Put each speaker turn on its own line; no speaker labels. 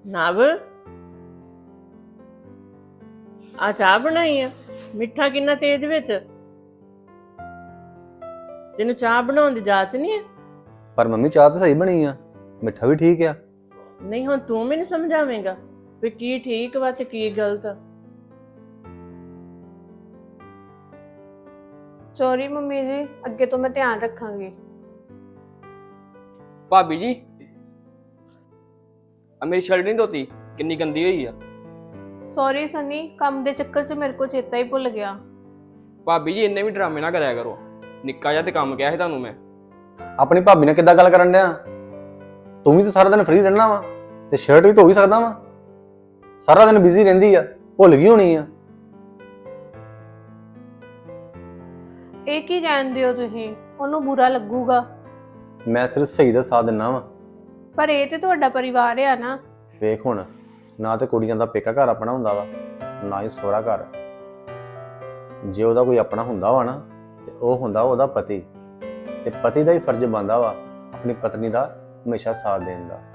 ਨਵ ਆ ਚਾਹ ਬਣਾਈ ਆ? ਮਿੱਠਾ ਕਿੰਨਾ ਤੇਜ਼ ਵਿੱਚ। ਤੈਨੂੰ ਚਾਹ ਬਣਾਉਣ ਦੀ ਜਾਚ ਨਹੀਂ ਹੈ?
ਪਰ ਮੰਮੀ ਚਾਹ ਤਾਂ ਸਹੀ ਬਣੀ ਆ, ਮਿੱਠਾ ਵੀ ਠੀਕ ਆ।
ਨਹੀਂ ਹੁਣ ਤੂੰ ਮੈਨੂੰ ਸਮਝਾਵੇਂਗਾ ਵੀ ਕੀ ਠੀਕ ਵਾ ਤੇ ਕੀ ਗਲਤ ਆ।
ਸੌਰੀ ਮੰਮੀ ਜੀ, ਅੱਗੇ ਤੋਂ ਮੈਂ ਧਿਆਨ ਰੱਖਾਂਗੀ।
ਭਾਬੀ ਜੀ ਆ ਮੇਰੀ ਸ਼ਰਟ ਨਹੀਂ ਧੋਤੀ, ਕਿੰਨੀ ਗੰਦੀ ਹੋਈ ਆ।
ਸੌਰੀ ਸਨੀ, ਕੰਮ ਦੇ ਚੱਕਰ 'ਚ ਮੇਰੇ ਕੋਲ ਚੇਤਾ ਹੀ ਭੁੱਲ ਗਿਆ।
ਭਾਬੀ ਜੀ ਇੰਨੇ ਵੀ ਡਰਾਮੇ ਨਾ ਕਰਿਆ ਕਰੋ, ਨਿੱਕਾ ਜਿਹਾ ਤੇ ਕੰਮ ਕਿਹਾ ਸੀ ਤੁਹਾਨੂੰ ਮੈਂ।
ਆਪਣੀ ਭਾਬੀ ਨਾਲ ਕਿੱਦਾਂ ਗੱਲ ਕਰਨ ਡਿਆ? ਤੂੰ ਵੀ ਤਾਂ ਸਾਰਾ ਦਿਨ ਫ੍ਰੀ ਰਹਿਣਾ ਵਾ ਤੇ ਸ਼ਰਟ ਵੀ ਧੋ ਹੀ ਸਕਦਾ ਵਾ। ਸਾਰਾ ਦਿਨ ਬਿਜ਼ੀ ਰਹਿੰਦੀ ਆ, ਭੁੱਲ ਗਈ ਹੋਣੀ ਆ।
ਇਹ ਕੀ ਜਾਣਦੇ ਹੋ ਤੁਸੀਂ? ਉਹਨੂੰ ਬੁਰਾ ਲੱਗੂਗਾ।
ਮੈਂ ਸਿਰਫ ਸਹੀ ਦਾ ਸਾਥ ਦਿੰਨਾ ਵਾ।
ਪਰ ਇਹ ਤੇ ਤੁਹਾਡਾ ਪਰਿਵਾਰ ਆ ਨਾ।
ਵੇਖ ਹੁਣ, ਨਾ ਤੇ ਕੁੜੀਆਂ ਦਾ ਪੇਕਾ ਘਰ ਆਪਣਾ ਹੁੰਦਾ ਵਾ, ਨਾ ਹੀ ਸਹੁਰਾ ਘਰ। ਜੇ ਉਹਦਾ ਕੋਈ ਆਪਣਾ ਹੁੰਦਾ ਵਾ ਨਾ ਤੇ ਉਹ ਹੁੰਦਾ ਉਹਦਾ ਪਤੀ, ਤੇ ਪਤੀ ਦਾ ਹੀ ਫਰਜ਼ ਬਣਦਾ ਵਾ ਆਪਣੀ ਪਤਨੀ ਦਾ ਹਮੇਸ਼ਾ ਸਾਥ ਦੇਣ ਦਾ।